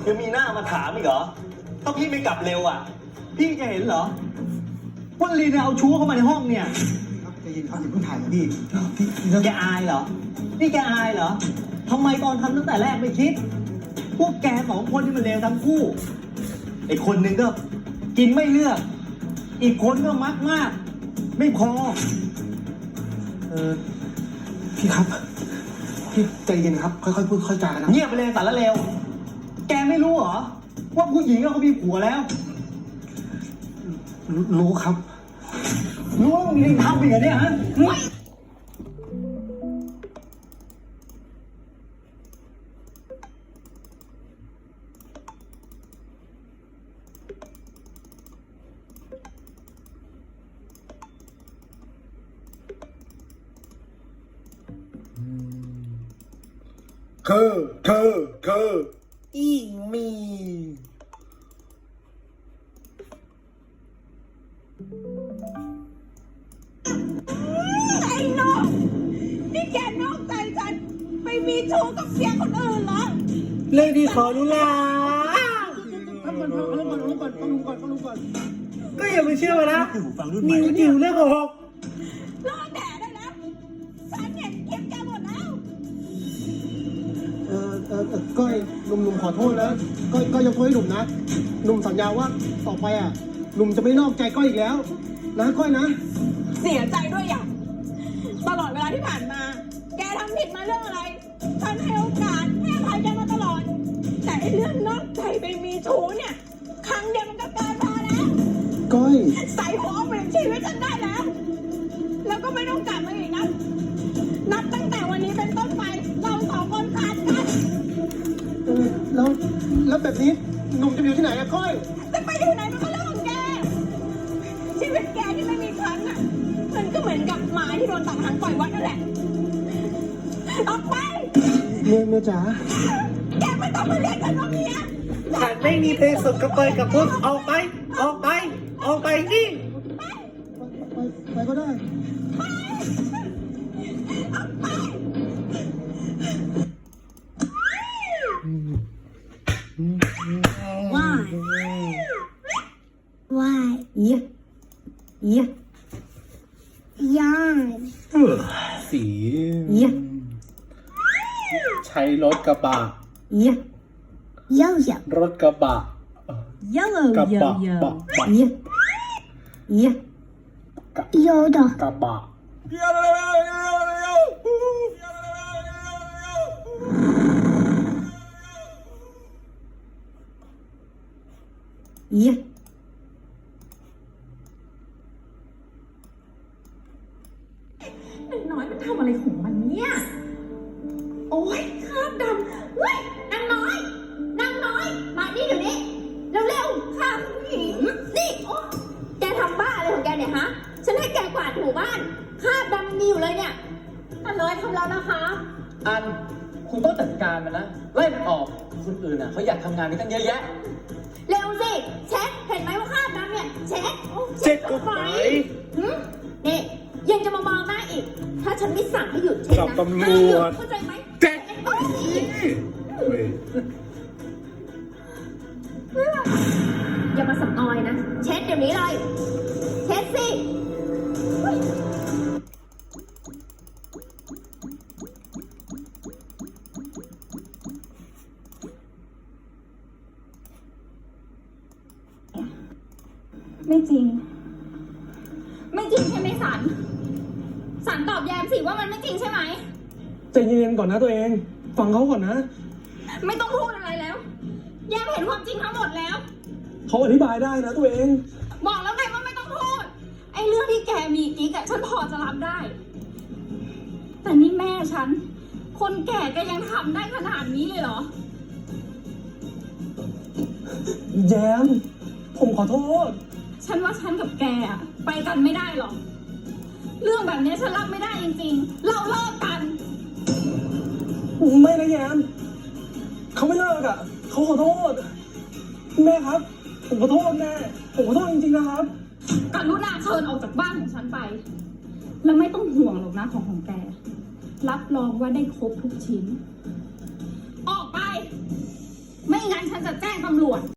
ยังมีหน้ามาถามอีกเหรอถ้าพี่ไม่กลับเร็วอ่ะพี่จะเห็นเหรอว่าลีเนี่ยเอาชู้เข้ามาในห้องเนี่ยครับใจเย็นครับอย่าเพิ่งถ่ายนะพี่แกอายเหรอนี่แกอายเหรอทำไมตอนทำตั้งแต่แรกไม่คิดพวกแกสองคนที่มันเลวทั้งคู่ไอ้คนหนึ่งก็กินไม่เลือกอีกคนก็มักมากไม่พอพี่ครับพี่ใจเย็นครับค่อยๆพูดค่อยๆจากันนะเงียบไปเลยสารเลวแกไม่รู้เหรอว่าผู้หญิงเขามีผัวแล้วรู้ครับรู้ว่ามึงยังทำอีกเหรอเนี่ยฮะคืออีมีไอ้น้องนี่แกนอกใจฉันไปมีชู้กับเสียคนอื่นเหรอเรื่องที่ขอรู้ละฟังก่อนก็อย่าไปเชื่อมันนะนิวจิ๋วเรื่องโกหกรอแดดได้แล้วฉันเห็นคลิปแกหมดแล้วก้อยหนุ่มขอโทษนะก้อยยกโทษให้หนุ่มนะหนุ่มสัญญาว่าต่อไปอ่ะหนุ่มจะไม่นอกใจก้อยอีกแล้วนะก้อยนะเสียใจด้วยอย่างตลอดเวลาที่ผ่านมาแกทำผิดมาเรื่องอะไรฉันให้โอกาสให้อภัยแกมาตลอดแต่ไอ้เรื่องนอกใจไปมีชู้เนี่ยครั้งเดียวมันก็เกินพอแล้วก้อยใส่หัวเปลี่ยนชีวิตฉันได้แล้วแล้วก็ไม่ต้องกลับมาอีกนะนับตั้งแต่วันนี้เป็นต้นไปเราสองคนขาดกันแล้วแบบนี้หนุ่มจะอยู่ที่ไหนอะก้อยจะไปอยู่ไหนมันก็เรื่องของแกชีวิตแกที่ไม่มีฉันน่ะมันก็เหมือนกับหมาที่โดนตัดหางปล่อยวัดนั่นแหละออกไปเมียจ๋าแกไม่ต้องมาเรียกฉันว่าเมียฉันไม่มีเพศสุขกับกับพวกออกไปนี่ไปก็ได้ Why? Yeah. สีใช้รถกระบะรถกระบะกระบะกระบะน้อยมันทำอะไรของมันเนี่ยโอ๊ยคราบดำเฮ้ยนางน้อยมานี่เดี๋ยวนี้เร็วๆค่ะผู้หญิงนี่แกทำบ้าอะไรของแกเนี่ยฮะฉันให้แกกวาดถูบ้านคราบดำมันมีอยู่เลยเนี่ยนางน้อยทำแล้วนะคะอันคุณต้องจัดการมันนะไล่มันออกคนอื่นอ่ะเขาอยากทำงานนี้ตั้งเยอะแยะเร็วสิเช็คเห็นไหมว่าคราบดำเนี่ยเช็คก็ไปนี่ยังจะมามองหน้าอีกถ้าฉันไม่สั่งให้หยุดเช็คนะตำรวจเข้าใจไหมเจ๊อย่ามาสับออยนะเช็ดเดี๋ยวนี้เลยเช็ดสิไม่จริงใช่ไหมสันตอบแยมสิว่ามันไม่จริงใช่ไหมใจเย็นก่อนนะตัวเองฟังเขาก่อนนะไม่ต้องพูดอะไรแล้วแยมเห็นความจริงทั้งหมดแล้วเขาอธิบายได้นะตัวเองบอกแล้วไงว่าไม่ต้องพูดไอ้เรื่องที่แกมีกิ๊กอะฉันพอจะรับได้แต่นี่แม่ฉันคนแก่ก็ยังทำได้ขนาดนี้เลยเหรอแยมผมขอโทษฉันว่าฉันกับแกอะไปกันไม่ได้หรอกเรื่องแบบนี้ฉันรับไม่ได้จริงๆเราเลิกกันไม่นะแยมเขาไม่เลิกอ่ะเขาขอโทษแม่ครับผมขอโทษแม่ผมขอโทษจริงๆนะครับกรุณาเชิญออกจากบ้านของฉันไปแล้วไม่ต้องห่วงหรอกนะของแกรับรองว่าได้ครบทุกชิ้นออกไปไม่งั้นฉันจะแจ้งตำรวจ